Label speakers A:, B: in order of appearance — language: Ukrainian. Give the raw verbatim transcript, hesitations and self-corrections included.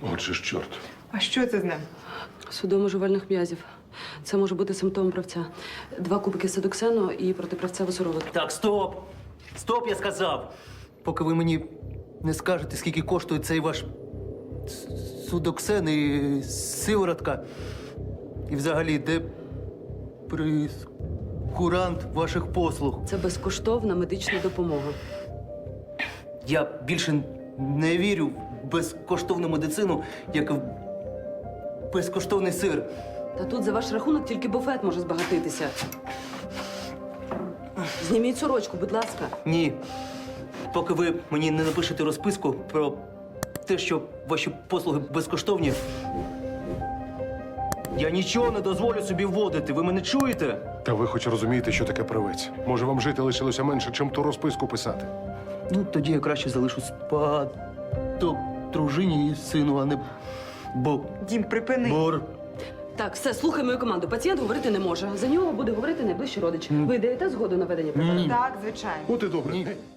A: Отже ж, чорт.
B: А що це з ним?
C: Судомо жувальних м'язів. Це може бути симптомом правця. Два кубики седоксену і протиправцеву сироватку.
D: Так, стоп! Стоп, я сказав! Поки ви мені не скажете, скільки коштує цей ваш с- судоксен і сиворотка. І взагалі, де прескурант ваших послуг.
C: Це безкоштовна медична допомога.
D: Я більше не вірю в безкоштовну медицину, як в безкоштовний сир.
C: Та тут за ваш рахунок тільки буфет може збагатитися. Зніміть сорочку, будь ласка.
D: Ні. Поки ви мені не напишете розписку про те, що ваші послуги безкоштовні, я нічого не дозволю собі вводити. Ви мене чуєте?
A: Та ви хоч розумієте, що таке правець? Може, вам жити лишилося менше, чим ту розписку писати?
D: Ну, тоді я краще залишу спадок дружині і сину, а не бо...
B: Дім, припини.
D: бор.
C: Так, все, слухай мою команду. Пацієнт говорити не може. За нього буде говорити найближчий родич. Ви даєте згоду на ведення препарату?
B: Так, звичайно.
A: От і добре.
D: Ні.